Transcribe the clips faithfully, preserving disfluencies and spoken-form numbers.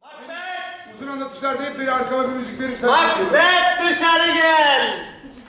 Macbeth! Uzun anlatışlarda hep böyle arkama bir müzik verirsen... Macbeth dışarı gel!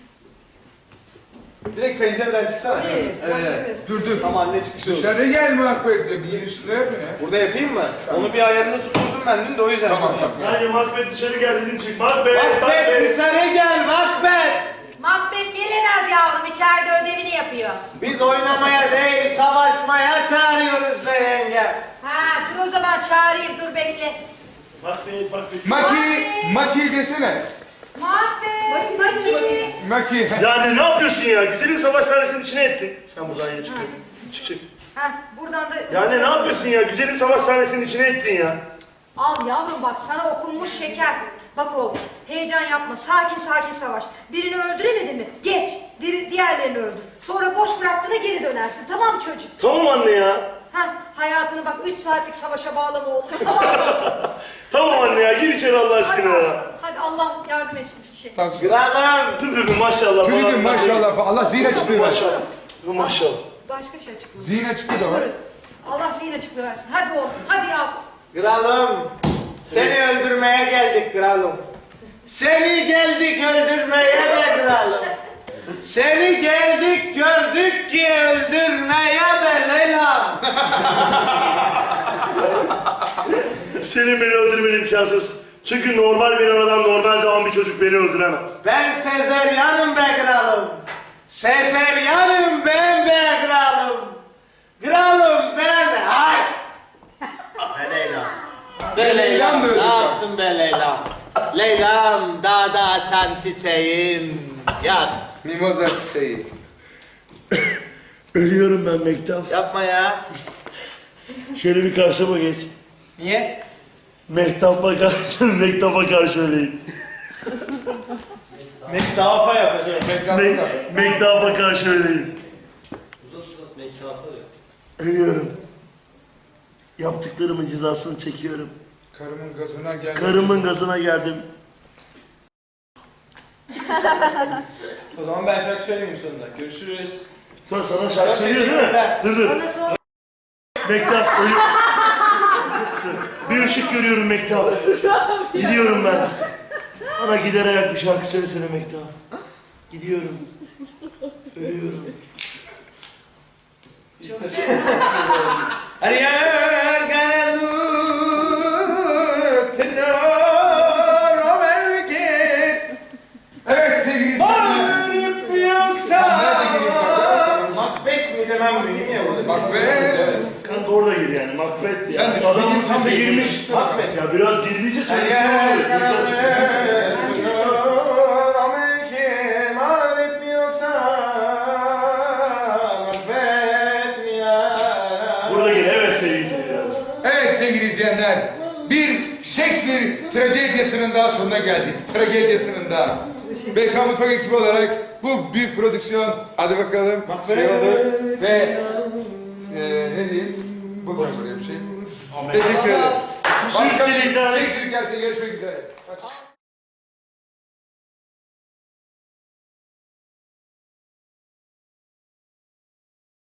Direkt pencereden çıksana. İyi, Evet. Dur dur. Tam anne çıkışı olur. Dışarı gel Macbeth. Bir girişinde yap ya. Burada yapayım mı? Onu bir ayarını tuturdum ben dün de o yüzden. Tamam tamam. Hadi Macbeth dışarı gel dedim çık. Macbeth, Macbeth Macbeth. dışarı gel Macbeth! Macbeth gelemez yavrum, içeride ödevini yapıyor. Biz oynamaya değil savaşmaya çağırıyoruz be yenge. Ha, dur o zaman çağırayım, dur bekle. Macbeth, Macbeth. Maki, Maki desene. Macbeth, Maki. Maki. Yani ne yapıyorsun ya? Güzelim savaş sahnesinin içine ettin. Sen buradan yine çıkıyorsun. Çık çık. Ha, buradan da... Yani ne yapıyorsun ya? Güzelim savaş sahnesinin içine ettin ya. Al yavrum bak, sana okunmuş şeker. Bak oğlum, heyecan yapma, sakin sakin savaş. Birini öldüremedin mi? Geç, di- diğerlerini öldür. Sonra boş bıraktığına geri dönersin, tamam mı çocuk? Tamam anne ya. Ha, hayatını bak üç saatlik savaşa bağlama oğlum, tamam mı? Tamam anne ya. Gir içeri Allah Hadi aşkına ya. aslanım, hadi Allah yardım etsin şey. Tamam. Kralım! Dur dur dur maşallah. Tüydüm falan. maşallah falan. Allah zihin açıklığı versin. Maşallah. Dur maşallah. Başka bir şey açıklayın. Zihin açıklığı da var. Allah zihin açıklığı versin. Hadi oğlum, hadi yavrum. Kralım! Seni öldürmeye geldik kralım. Seni geldik öldürmeye be kralım. Seni geldik gördük ki öldürmeye be Leyla'm. Senin beni öldürmen imkansız. Çünkü normal bir anadan normal doğan bir çocuk beni öldüremez. Ben Sezeryan'ım be kralım. Sezeryan'ım ben be kralım. Kralım ben hay. Be Leyla. Be Leyla'm böyle ne ya. yaptın be Leyla'm? Leyla'm dağda açan çiçeğim. Yan. Mimoza çiçeği. Ölüyorum ben Mektap. Yapma ya. Şöyle bir karşıma geç. Niye? Mektap'a karşı, Mektap'a karşı öleyim. Mektaba yapacağım. Me Mektap'a karşı öleyim. Ölüyorum. Yaptıklarımın cezasını çekiyorum. Karımın gazına gel. Karımın gazına geldim. O zaman ben şarkı söylemeyeyim sonunda. Görüşürüz. Sonra sana şarkı söylüyor değil mi? Dur dur. Bana sor. Mektap ölüyor. Bir ışık görüyorum Mektap. Gidiyorum ben. Bana gider ayak bir şarkı söylesene Mektap. Gidiyorum. Ölüyorum. Ariel karanlık pınarı belki. Evet sevgili izleyiciler. Bağırıp yoksa Nerede gireyim kanka? Macbeth mi demem benim ya burada. Macbeth. Kanka orada gir yani Macbeth Sen ya. de şu Adamın bildiğin tam sesi bir girmiş. girmiş. Macbeth ya biraz girdiyse söylesin Ariel olur. Biraz- karanlık pınarı belki. Bağırıp yoksa Macbeth mi ya? Burada gir evet sevgili seyirciler. Evet sevgili izleyenler. Bir Shakespeare tragedyasının daha sonuna geldik. Tragedyasının daha. B K Mutfak ekibi olarak bu büyük prodüksiyon, hadi bakalım şey oldu ve e, ne diyeyim, bulacağım buraya bir şey. Teşekkür ederiz. Şimdilik Başka bir daha- Shakespeare gelse görüşmek üzere.